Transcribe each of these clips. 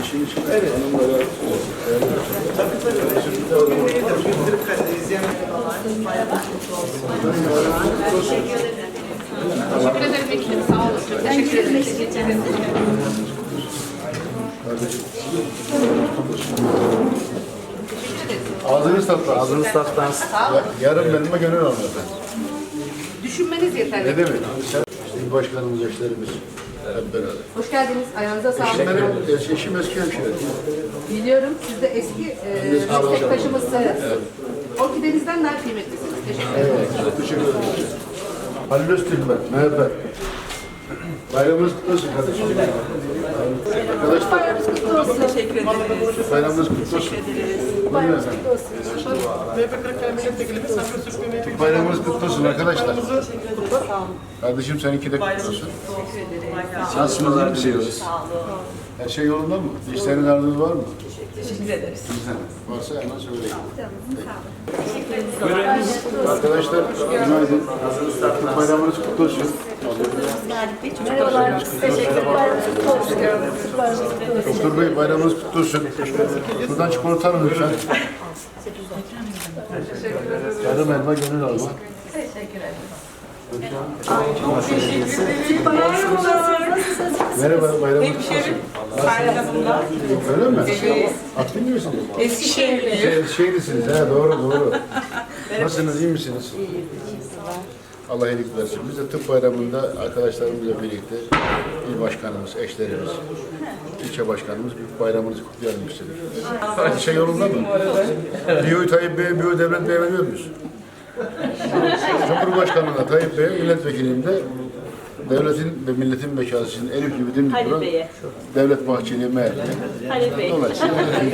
İşin içinde evet. Hanımlara Teşekkür ederim ekibim. Sağ olun. Çok teşekkür ederim. ağzınız tatlı. Ağzınız tatlı. Yarın benimle gönül alın efendim. Düşünmeniz yeterli. Ne demek? İşte il başkanımız, eşlerimiz hep beraber. Hoş geldiniz. Ayağınıza sağlık. Eşim eski hemşire. Biliyorum siz de eski meslektaşımızsınız. Orkidenizden daha kıymetlisiniz. Teşekkür ederim. Evet, teşekkür ederim. Halil Öztürk ben, MHP. Bayramınız kutlu olsun kardeşim. Arkadaşlar, Bayramınız kutlu olsun. Teşekkür ederiz. bayramınız kutlu olsun. Bayramınız kutlu olsun. Bayramınız kutlu olsun arkadaşlar. Sağ olun. Kardeşim seninki de kutlu olsun. Nasılsınız, iyi misiniz? Her şey yolunda mı? İşlerin arzunuz var mı? Teşekkür ederiz. Güzel. Varsa hemen söyleyin. Arkadaşlar, günaydın. Bayramınız kutlu olsun. Merhabalar. Teşekkür ederim. Bayramınız kutlu olsun. Bayramınız kutlu olsun. Doktor Bey bayramınız kutlu olsun. Buradan çikolata alın lütfen. Yarım elma gönül alma. Merhabalar. Nasılsınız? Merhaba, bayramınız kutlu olsun. Bayramında. Öyle mi? Aktif misiniz? Eskişehirliyim. Şeylisiniz, he doğru doğru. Nasılsınız, iyi misiniz? Allah iyilik versin. Biz de tıp bayramında arkadaşlarımızla birlikte il başkanımız, eşlerimiz, ilçe başkanımız büyük bayramımızı kutlayalım istedik. Her şey yolunda mı? Biyo'yu Tayyip Bey'e, Biyo Devlet Bey'e veriyor muyuz? Cumhurbaşkanı'na Tayyip Bey'e, milletvekiliyim de devletin ve milletin bekasının Elif gibi dimdik duran Devlet Bahçeli'ye MHP'ye. Dolayısıyla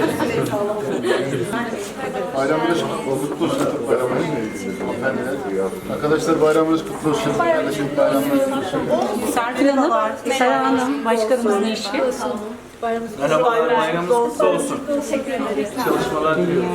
bayramınız kutlu olsun. Bayramınız arkadaşlar bayramınız kutlu olsun. Kardeşim bayramınız kutlu olsun. Serpil Hanım, Sera Hanım, başkanımızın eşi. Merhaba, bayramınız kutlu olsun. Teşekkür ederiz. Çalışmalar diliyorum.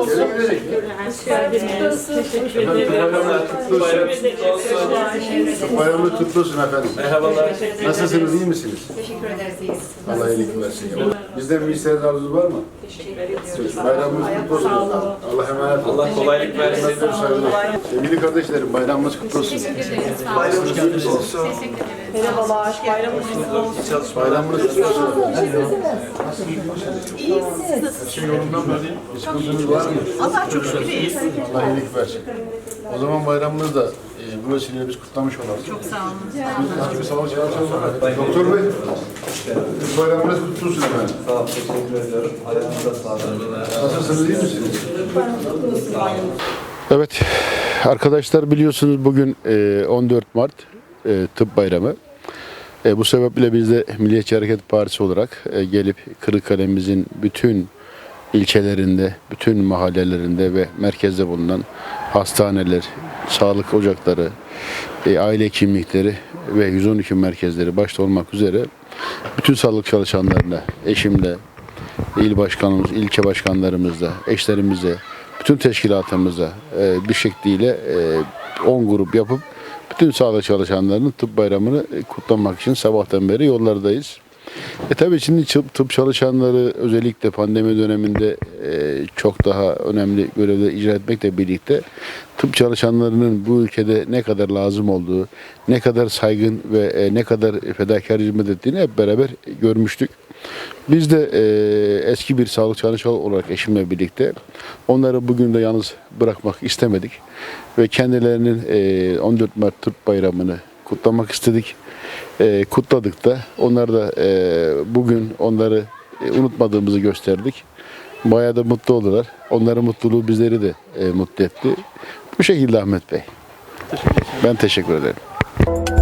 Bayramınız kutlu olsun. Bayramınız kutlu olsun efendim. Merhabalar. Nasılsınız, iyi misiniz? Teşekkür ederiz. İyiyiz. Allah iyilik versin. Bizden bir isteğiniz arzunuz var mı? Teşekkür ederiz. Bayramınız kutlu olsun. Allah emanet olun. Allah kolaylık versin. Sevgili kardeşlerim bayramınız kutlu olsun. Bayramınız kutlu olsun. Merhabalar. Bayramınız kutlu olsun. Bayramınız kutlu olsun. Her şey yolunda mı? Bir sıkıntınız var mı? Allah çok şükür iyiyiz. Allah iyilik versin. O zaman bayramımızı da bu vesileyle biz kutlamış olalım. Çok sağ olun. Biz gibi sağlık çalışanlar olarak. Doktor Bey, bayramınız kutlu olsun efendim. Sağ olun, teşekkür ediyorum. Ayağınıza sağlık. Nasılsınız, iyi misiniz? Evet, arkadaşlar biliyorsunuz bugün 14 Mart Tıp Bayramı. Bu sebeple biz de Milliyetçi Hareket Partisi olarak gelip Kırıkkale'mizin bütün ilçelerinde, bütün mahallelerinde ve merkezde bulunan hastaneler, sağlık ocakları, aile hekimlikleri ve 112 merkezleri başta olmak üzere bütün sağlık çalışanlarına, eşimle, il başkanımız, ilçe başkanlarımızla, eşlerimizle, bütün teşkilatımızla bir şekliyle 10 grup yapıp bütün sağlık çalışanlarının tıp bayramını kutlamak için sabahtan beri yollardayız. Tabii şimdi tıp çalışanları özellikle pandemi döneminde çok daha önemli görevler icra etmekle birlikte tıp çalışanlarının bu ülkede ne kadar lazım olduğu, ne kadar saygın ve ne kadar fedakar hizmet ettiğini hep beraber görmüştük. Biz de eski bir sağlık çalışanı olarak eşimle birlikte onları bugün de yalnız bırakmak istemedik ve kendilerinin 14 Mart Tıp Bayramı'nı kutlamak istedik. Kutladık da onlar da bugün onları unutmadığımızı gösterdik. Bayağı da mutlu oldular. Onların mutluluğu bizleri de mutlu etti. Bu şekilde Ahmet Bey. Ben teşekkür ederim.